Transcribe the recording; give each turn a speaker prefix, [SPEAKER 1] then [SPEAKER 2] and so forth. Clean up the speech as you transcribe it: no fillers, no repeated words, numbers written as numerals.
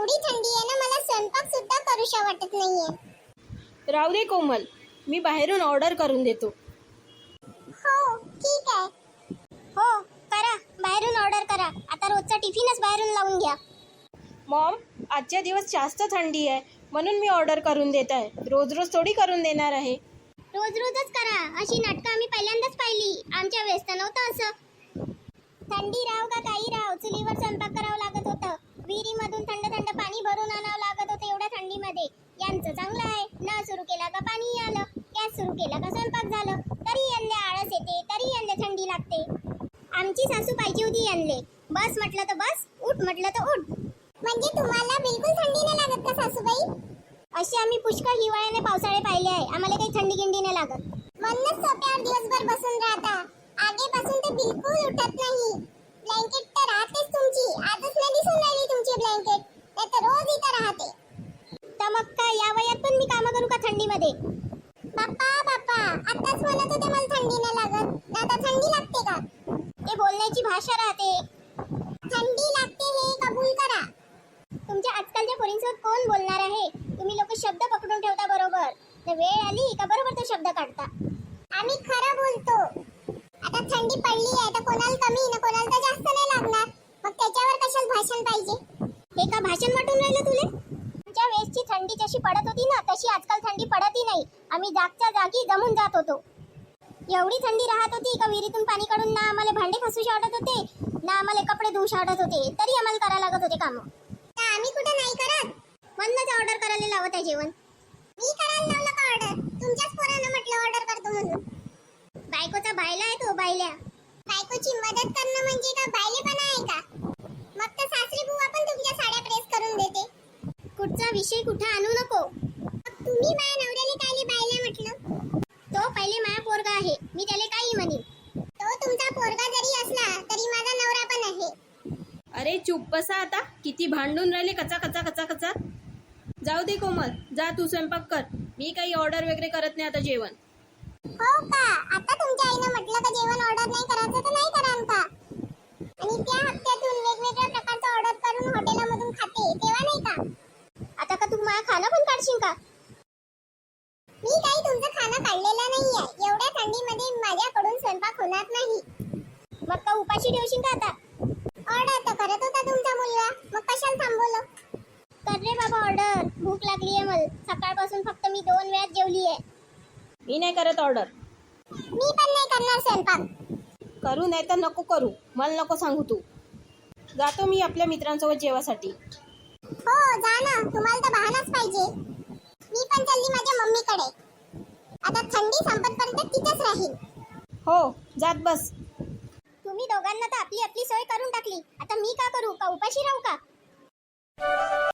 [SPEAKER 1] एवढी थंडी आहे ना, मला स्वयंपाक सुद्धा करूशा वाटत नाहीये.
[SPEAKER 2] राहू दे कोमल, मी बाहेरून ऑर्डर करून देतो.
[SPEAKER 1] हो ठीक आहे. हो करा, बाहेरून ऑर्डर करा. आता रोजचा टिफिनच बाहेरून लावून घ्या.
[SPEAKER 2] मॉम, आजच्या दिवस जास्त थंडी आहे म्हणून मी ऑर्डर करून देत आहे. रोज रोज थोडी करून देणार आहे.
[SPEAKER 1] रोज रोजच करा, अशी नाटकं आम्ही पहिल्यांदाच पाहिली. आमच्या वेळेस तर नव्हतं असं. थंडी राव का काही राव, चुलीवर स्वयंपाक करावं लागत होतं. विहिरीमधून थंड थंड पाणी भरून आणावं लागत होतं एवढ्या थंडीमध्ये. यांचं चांगलं आहे, नळ सुरू केला का पाणी आलं, गॅस सुरू केला का स्वयंपाक झालं. तरी यांना आळस येते, तरी यांना थंडी लागते. आमची सासू पाहिजे होती यांले. बस म्हटलं तर बस, उठ म्हटलं तर उठ. म्हणजे तुम्हाला बिलकुल थंडी नाही लागत का सासूबाई? असे आम्ही पुष्कळ हिवाळ्याने पावसाळे पाहिले आहे. आम्हाला काही थंडी गिंडी नाही लागत. म्हणूनच सोप्यावर दिवसभर बसून राहता. आगेपासून ते बिलकुल उठत नाही. ब्लँकेट तर राहतेच तुमची. आजच नाही दिसून राहिली तुमची ब्लँकेट, नाही तर रोज इथं राहते. तर मग काय या वयात पण मी कामं करू का थंडीमध्ये? बाप्पा बाप्पा, आताच म्हणत होते मला थंडी नाही लागत, आता थंडी लागते का? ते बोलण्याची भाषा राहते. थंडी लागते हे कबूल करा. तुमच्या आजकालच्या पोरींसोबत कोण बोलणार आहे? तुम्ही लोक शब्द पकडून ठेवता बरोबर. तर वेळ आली का बरोबर तो शब्द काढता. आम्ही खरं बोलतो. आता थंडी पडली आहे तर कोणाला कमी ना कोणाला तर जास्त नाही लागणार. मग त्याच्यावर कशाला भाषण पाहिजे? हे का भाषण वाटून राहिलं तुले? आमच्या वेळेसची थंडी जशी पडत होती ना, तशी आजकाल थंडी पडतही नाही. आम्ही जागच्या जागी जमून जात होतो. एवढी थंडी राहत होती का विहिरीतून पाणी काढून ना आम्हाला भांडे घासूशी वाटत होते, ना आम्हाला कपडे धुवूशी वाटत होते. तरी आम्हाला करायला लागत होते कामं. आम्ही कुठे नाही करत. म्हणूनच ऑर्डर करायला लावत आहे जेवण. मी करायला लावलं का ऑर्डर? तुमच्याच पोरानं म्हटलं ऑर्डर करतो म्हणून. बायकोचा बायला आहे तो, बायल्या. बायकोची मदत करणं म्हणजे का बायलेपणा आहे का? मग तर सासरी बुवा पण तुमच्या साड्या प्रेस करून देते. कुठचा विषय कुठे आणू नको. मग तुम्ही माझ्या नवऱ्याला कायले बायला म्हटलं? तो पहिले माझा पोरगा आहे, मी त्याला काही म्हणेन. तो तुमचा पोरगा जरी असला तरी माझा नवरा पण आहे.
[SPEAKER 2] अरे चुप बसा आता. किती भांडून राहिले कचा कचा कचा कचा. जाऊ दे कोमल, जा तू स्वयंपाक कर. मी काही ऑर्डर वगैरे करत नाही आता जेवण.
[SPEAKER 1] हो का? आता तुमच्या आईनं म्हटलं का जेवण ऑर्डर नाही करायचं तर नाही कराल का? आणि त्या हप्त्यातून वेगवेगळ्या प्रकारचं ऑर्डर करून हॉटेलमधून खाते तेव्हा नाही का? आता का तू माझं खाणं पण काढशील का? मी काही तुमचं खाणं काढलेलं नाहीये. एवढ्या थंडीमध्ये माझ्याकडून स्वयंपाक होणार नाही. मग का उपाशी ठेवशील का आता? ऑर्डर तर करत होता तुमचा मुलगा, मग कशाला थांबवलं? कर रे बाबा ऑर्डर. भूक लागली आहे मला. सकाळपासून फक्त मी 2 वेळाच जेवली आहे.
[SPEAKER 2] मी नाही करत ऑर्डर.
[SPEAKER 1] मी पण नाही करणार स्वयंपाक.
[SPEAKER 2] करू नाही तर नको करू, मला नको सांगू तू. जातो मी आपल्या मित्रांसोबत जेवासाठी.
[SPEAKER 1] हो जा ना, तुम्हाला तर बहानाच पाहिजे. मी पण चालली माझ्या मम्मीकडे. आता थंडी संपतपर्यंत तिथेच राहील.
[SPEAKER 2] हो, जात बस.
[SPEAKER 1] तुम्ही दोघांना तर आपली आपली सोय करून टाकली. आता मी का करू? का उपाशी राहू का?